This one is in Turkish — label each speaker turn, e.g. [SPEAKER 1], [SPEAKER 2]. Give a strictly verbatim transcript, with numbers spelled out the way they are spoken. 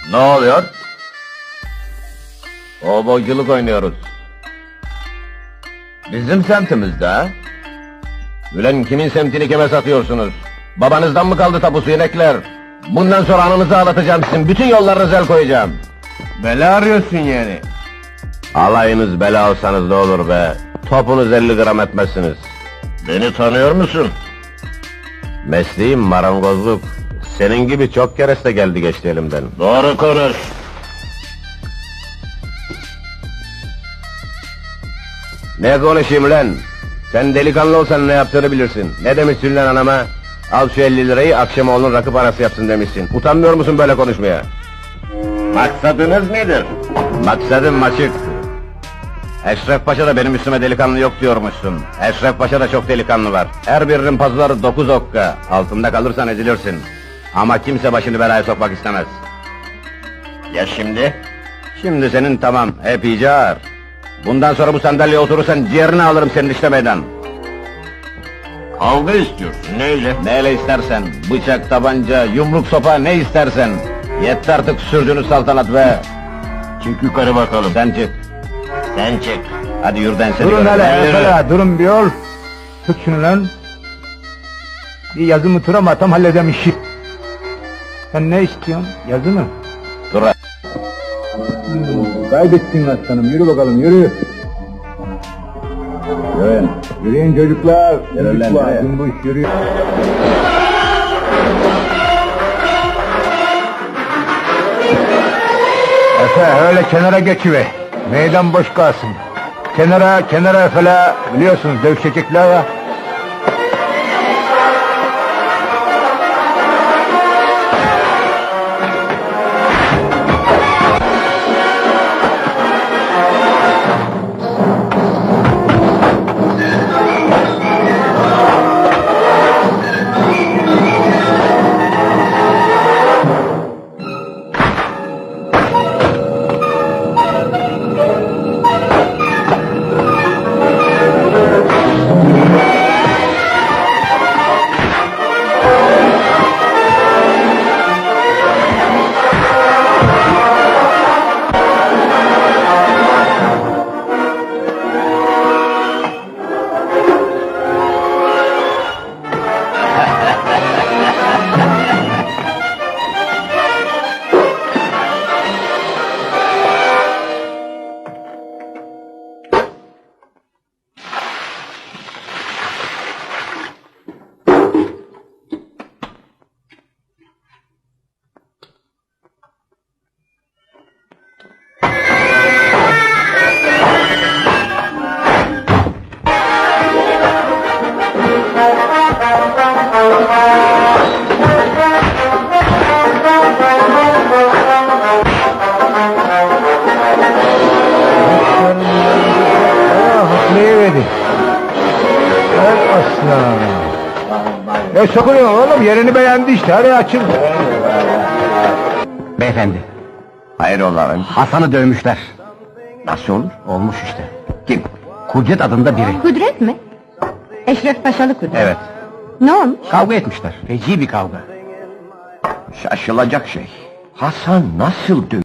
[SPEAKER 1] Ne oluyor? Kovboyculuk oynuyoruz. Bizim semtimizde ha? Ulan kimin semtini kime satıyorsunuz? Babanızdan mı kaldı tapusu inekler? Bundan sonra anınızı ağlatacağım sizin, bütün yollarınıza el koyacağım.
[SPEAKER 2] Bela arıyorsun yani.
[SPEAKER 1] Alayınız bela alsanız ne olur be? Topunuz elli gram etmezsiniz. Beni tanıyor musun? Mesleğim marangozluk. Senin gibi çok kereste geldi geçti elimden. Doğru konuş. Ne konuşayım lan? Sen delikanlı olsan ne yaptığını bilirsin. Ne demişsin lan anama? Al şu elli lirayı, akşam oğlun rakı parası yapsın demişsin. Utanmıyor musun böyle konuşmaya? Maksadınız nedir? Maksadım açık. Eşref Paşa da benim üstüme delikanlı yok diyormuşsun. Eşref Paşa da çok delikanlı var. Her birinin pazıları dokuz okka. Altında kalırsan ezilirsin. Ama kimse başını belaya sokmak istemez. Ya şimdi? Şimdi senin tamam, hep iyice ağır. Bundan sonra bu sandalyeye oturursan ciğerini alırım senin işte meydan. Kavga istiyorsun, neyle? Neyle istersen, bıçak, tabanca, yumruk, sopa, ne istersen. Yetti artık sürdüğünüz saltanat be! Çık yukarı bakalım. Sen çık. Sen çık. Hadi yürüden seni
[SPEAKER 2] Durun
[SPEAKER 1] göreyim.
[SPEAKER 2] hele,
[SPEAKER 1] Yürü.
[SPEAKER 2] hele, durun bir yol. Tut şunu lan. Bir yazı mı tura mı atam halledem işi. Sen ne istiyorsun? Yazı mı?
[SPEAKER 1] Dur.
[SPEAKER 2] Hmm, kaybettin aslanım, yürü bakalım, yürü.
[SPEAKER 1] Yürüyün.
[SPEAKER 2] Yürüyün çocuklar.
[SPEAKER 1] Yürü lan,
[SPEAKER 2] Çocuklar,
[SPEAKER 1] yürü.
[SPEAKER 2] cumbuş, yürü. Efe, öyle kenara geçiver. Meydan boş kalsın. Kenara, kenara falan, biliyorsunuz dövüşecekler ya. Haklayıverdi. Evet aslan. Ya sokuluyor oğlum, yerini beğendi işte, hadi açın.
[SPEAKER 1] Beyefendi. Hayrola efendim?
[SPEAKER 2] Hasan'ı dövmüşler.
[SPEAKER 1] Nasıl olur?
[SPEAKER 2] Olmuş işte.
[SPEAKER 1] Kim?
[SPEAKER 2] Kudret adında biri.
[SPEAKER 3] Kudret mi? Eşref Paşalı Kudret.
[SPEAKER 2] Evet.
[SPEAKER 3] Ne olmuş?
[SPEAKER 2] Kavga etmişler. Feci bir kavga.
[SPEAKER 1] Şaşılacak şey. Hasan nasıl dö